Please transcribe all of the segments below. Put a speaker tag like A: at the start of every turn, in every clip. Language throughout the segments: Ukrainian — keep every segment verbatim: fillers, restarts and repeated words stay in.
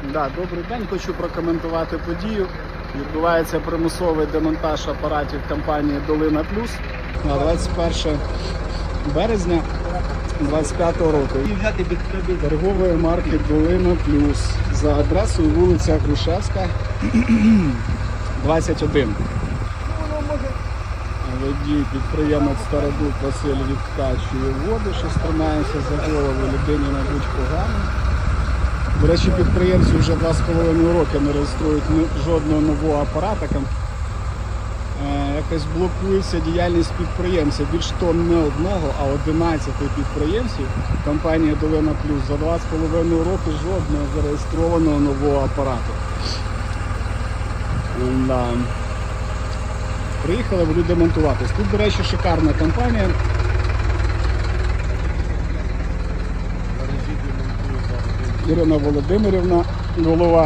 A: Да, добрий день, хочу прокоментувати подію. Відбувається примусовий демонтаж апаратів компанії Долина Плюс на двадцять перше березня двадцять п'ятого року. Торгової марки Долина Плюс за адресою вулиця Грушевська, двадцять один. Водій підприємець Стародуб Василь відкачує воду, що стримається за голову, людині, мабуть, погано. До речі, підприємці вже два з половиною роки не реєструють жодного нового апарата. Е, якось блокується діяльність підприємця. Більш того, не одного, а одинадцяти підприємців компанії Долина Плюс за два з половиною роки жодного зареєстрованого нового апарату. Да. Приїхали, будуть демонтуватись. Тут, до речі, шикарна компанія. Ірина Володимирівна, голова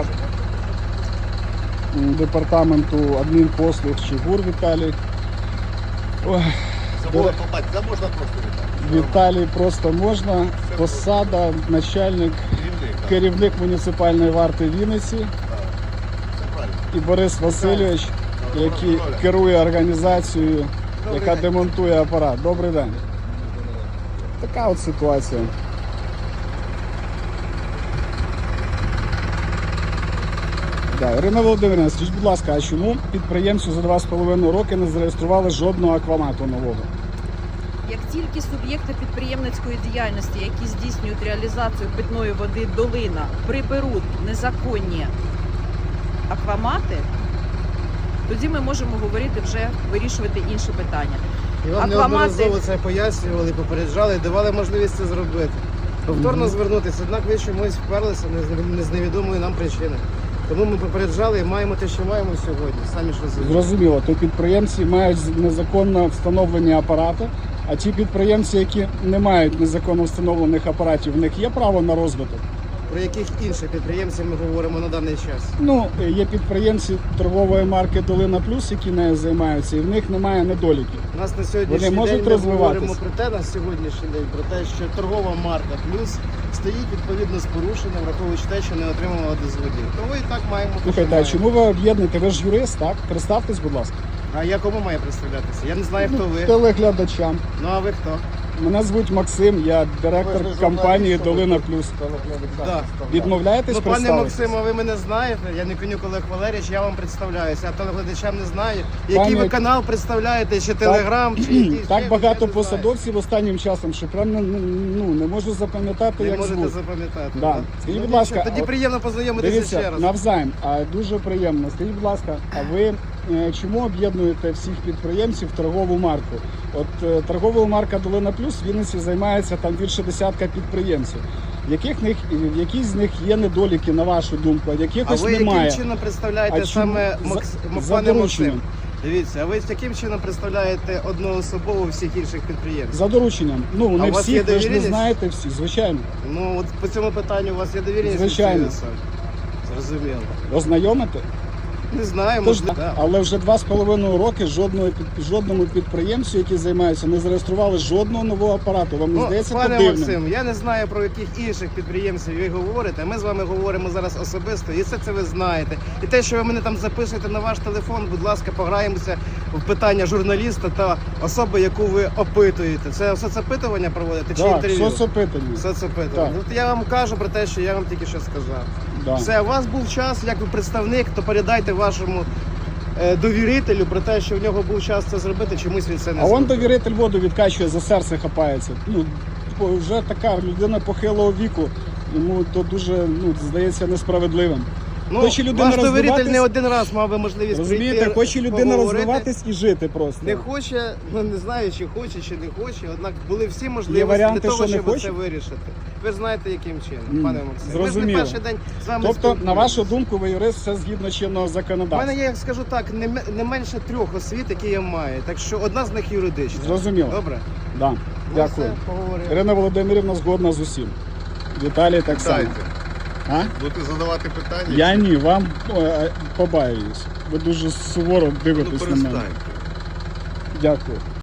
A: департаменту адмінпослуг Чигур Віталій. Ой,
B: Це можна попасти, це можна просто Віталій.
A: Віталій просто можна. Посада, начальник,
B: Керівник,
A: керівник муніципальної варти Вінниці.
B: Це правильно.
A: І Борис Васильович, який керує організацією, яка демонтує апарат. Добрий день. Така от ситуація. Да, Ірина Володимирівна, скажіть, будь ласка, а чому підприємцю за два з половиною роки не зареєстрували жодного аквамату нового?
C: Як тільки суб'єкти підприємницької діяльності, які здійснюють реалізацію питної води «Долина», приберуть незаконні аквамати, тоді ми можемо говорити вже, вирішувати інші питання.
D: І вам неодноразово це пояснювали, попереджали, давали можливість це зробити. Повторно
A: Мгм.
D: звернутися, однак ви чомусь вперлися не з невідомої нам причини. Тому ми попереджали і маємо те, що маємо сьогодні. Самі ж розумієте.
A: Зрозуміло, то підприємці мають незаконно встановлені апарати, а ті підприємці, які не мають незаконно встановлених апаратів, в них є право на розвиток?
D: Про яких інших підприємців ми говоримо на даний час?
A: Ну, є підприємці торгової марки Долина Плюс, які нею займаються, і в них немає недоліків.
D: У нас на сьогоднішній
A: Вони можуть
D: день ми
A: розвиватись?
D: говоримо про те, на сьогоднішній день, про те, що торгова марка «Плюс» стоїть відповідно з порушенням, враховуючи те, що не отримала дозволів. Тому і так маємо. те, що
A: Слухайте, а
D: маємо.
A: чому ви об'єднуєте? Ви ж юрист, так? Представтесь, будь ласка.
D: А я кому маю представлятися? Я не знаю, хто ви.
A: Телеглядачам.
D: Ну а ви хто?
A: Мене звуть Максим, я директор компанії Долина Плюс.
D: Да.
A: Відмовляєтесь
D: Ну, пане
A: представитись?
D: Максиме, ви мене знаєте, я не Конюк Олег Валерійович, я вам представляюся, а телеглядачам не знаю. Який
A: Пане-
D: ви канал представляєте, чи Телеграм, чи якийсь,
A: Так
D: ще,
A: багато
D: я не знаю.
A: посадовців останнім часом, що прям ну, ну, не можу запам'ятати,
D: Не
A: як
D: можете
A: звуть.
D: запам'ятати.
A: Да.
D: Да.
A: Скажіть,
D: Ну,
A: будь ласка,
D: нічого, тоді
A: от
D: приємно познайомитися
A: Дивіться,
D: ще раз.
A: навзаєм, а дуже приємно. Скажіть, будь ласка, а ви е, чому об'єднуєте всіх підприємців в торгову марку? От е, торгова марка Долина Плюс в Вінниці займається там більше десятка підприємців. Яких них, які з них є недоліки, на вашу думку, а
D: А
A: якихось
D: ви
A: немає?
D: яким чином представляєте
A: А чому?
D: саме
A: За-
D: Макс...
A: за
D: пане
A: дорученням.
D: Максим? Дивіться, а ви яким чином представляєте одноособово всіх інших підприємців?
A: За дорученням. Ну,
D: А
A: не
D: у вас
A: всі,
D: є
A: ви ж не
D: довіреність?
A: знаєте всі, звичайно.
D: Ну от по цьому питанню у вас є довіреність?
A: Звичайно.
D: від цієї особи? Зрозуміло.
A: Ознайомите?
D: Не знаю,
A: Тож,
D: можливо. да.
A: але вже два з половиною роки жодного під- жодному підприємцю, який займається, не зареєстрували жодного нового апарату. Вам не
D: Ну,
A: здається
D: пане
A: то дивним?
D: Максим, я не знаю, про яких інших підприємців ви говорите. Ми з вами говоримо зараз особисто, і все це ви знаєте. І те, що ви мене там записуєте на ваш телефон, будь ласка, пограємося в питання журналіста та особи, яку ви опитуєте. Це соцопитування проводите чи
A: Так,
D: інтерв'ю?
A: соцопитання.
D: Соцопитування.
A: Так.
D: От я вам кажу про те, що я вам тільки що сказав.
A: Да.
D: Все, у вас був час, як ви представник, то передайте вашому е, довірителю про те, що в нього був час це зробити, чомусь він це не
A: А он
D: зробив.
A: довіритель воду відкачує, за серце хапається. Ну, бо вже така людина похилого віку, йому то дуже, ну, здається, несправедливим.
D: Ну,
A: Хоче людина
D: ваш довіритель
A: розвиватись-
D: не один раз мав би можливість
A: Розумієте,
D: прийти,
A: хоче людина
D: поговорити.
A: розвиватись і жити просто.
D: Не хоче, ну не знаю, чи хоче, чи не хоче, однак були всі
A: Є
D: можливості
A: варіанти,
D: для того,
A: що не
D: щоб
A: хоче?
D: це вирішити. Ви ж знаєте, яким чином,
A: М,
D: пане Максим. Ми ж не
A: зрозуміло.
D: перший день з вами
A: Тобто, на
D: спілкуємося.
A: вашу думку, ви юрист, все згідно чинного
D: У
A: законодавства.
D: мене є, як скажу так, не, ме- не менше трьох освіт, які я маю. Так що одна з них юридична.
A: Зрозуміло.
D: Добре?
A: Да.
D: Ну,
A: Дякую.
D: все, поговоримо.
A: Ірина Володимирівна згодна з усім. Віталій так само.
B: Питайте.
A: А?
B: Будете задавати питання?
A: Я ні, вам е, побаююсь. Ви дуже суворо
B: Ну,
A: дивитесь на мене.
B: перестаньте.
A: Дякую.